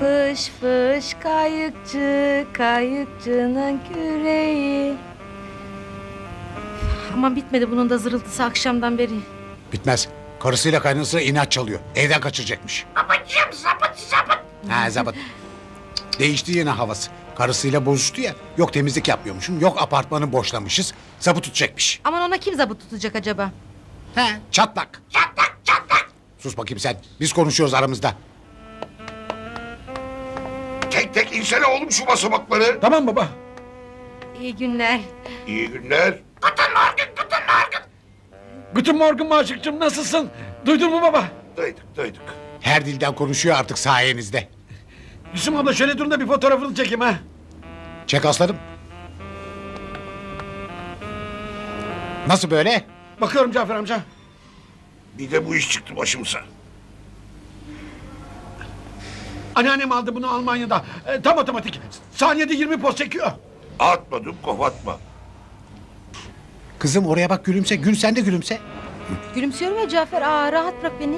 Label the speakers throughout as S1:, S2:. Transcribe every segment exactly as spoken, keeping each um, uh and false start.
S1: Fış fış kayıkçı, kayıkçının küreği. Aman bitmedi bunun da zırıltısı akşamdan beri.
S2: Bitmez. Karısıyla kaynanasıyla inat çalıyor. Evden kaçıracakmış.
S3: Babacığım zabıt zabıt.
S2: Ha zabıt. Değişti yine havası. Karısıyla bozuştu ya. Yok temizlik yapmıyormuşum. Yok apartmanı boşlamışız. Zabıt tutacakmış.
S1: Aman ona kim zabıt tutacak acaba?
S2: He çatlak.
S3: Çatlak çatlak.
S2: Sus bakayım sen. Biz konuşuyoruz aramızda.
S4: Tek tek insene oğlum şu basamakları.
S5: Tamam baba.
S1: İyi günler.
S4: İyi günler.
S3: Guten Morgen guten Morgen.
S5: Guten Morgen Maşıkçım, nasılsın? Duydun mu baba?
S4: Duyduk duyduk.
S2: Her dilden konuşuyor artık sayenizde.
S5: Gülsüm abla şöyle durun da bir fotoğrafını çekeyim ha.
S2: Çek aslanım. Nasıl böyle?
S5: Bakıyorum Cafer amca.
S4: Bir de bu iş çıktı başımıza.
S5: Anneannem aldı bunu Almanya'da. E, tam otomatik. Saniyede yirmi poz çekiyor.
S4: Atmadım kovatma.
S2: Kızım oraya bak gülümse. Gül sen de gülümse.
S1: Gülümsüyorum ya Cafer. Aa, rahat bırak beni.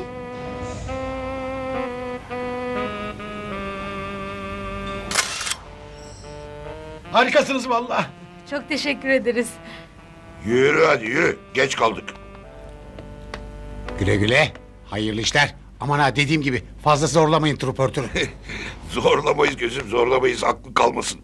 S5: Harikasınız vallahi.
S1: Çok teşekkür ederiz.
S4: Yürü hadi yürü. Geç kaldık.
S2: Güle güle. Hayırlı işler. Aman ha dediğim gibi fazla zorlamayın truportörü.
S4: Zorlamayız gözüm zorlamayız. Aklı kalmasın.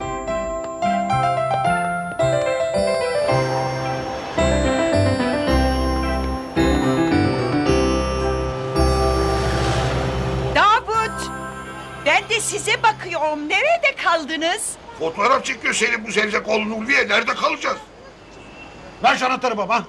S6: Davut! Ben de size bakıyorum. Nerede kaldınız?
S4: Fotoğraf çekiyor senin bu zerzek oğlun Ulviye. Nerede kalacağız?
S5: Ver şu anahtarı baba.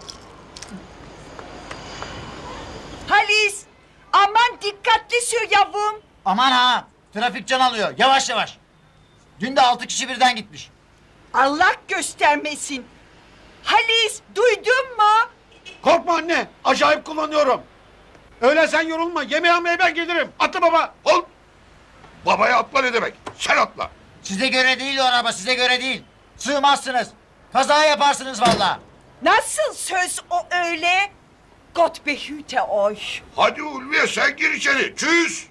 S6: Halis! Aman dikkatli sür yavrum.
S7: Aman ha! Trafik can alıyor. Yavaş yavaş. Dün de altı kişi birden gitmiş.
S6: Allah göstermesin. Halis duydun mu?
S5: Korkma anne. Acayip kullanıyorum. Öyle sen yorulma. Yemeğe almaya ben gelirim. Atla baba.
S4: Ol. Babaya atla ne demek? Sen atla.
S7: Size göre değil o araba, size göre değil. Sığmazsınız. Kaza yaparsınız vallahi.
S6: Nasıl söz o öyle? Gott behüte euch.
S4: Hadi Ulviye sen gir içeri. Çüz.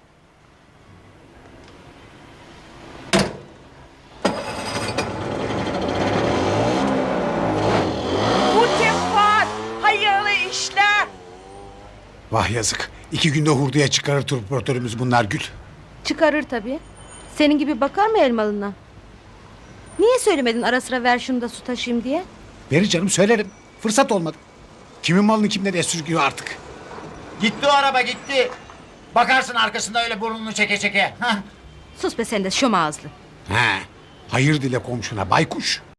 S6: Guten Fahrt. Hayırlı işler.
S2: Vah yazık. İki günde hurduya çıkarır truportörümüz bunlar Gül.
S1: Çıkarır tabii. Senin gibi bakar mı elmalına? Niye söylemedin ara sıra ver şunu da su taşıyayım diye?
S2: Verir canım söylerim. Fırsat olmadı. Kimin malını kimden esirgiyor artık.
S7: Gitti o araba gitti. Bakarsın arkasında öyle burnunu çeke çeke. Hah.
S1: Sus be sen de şom ağızlı.
S2: He. Hayır dile komşuna baykuş.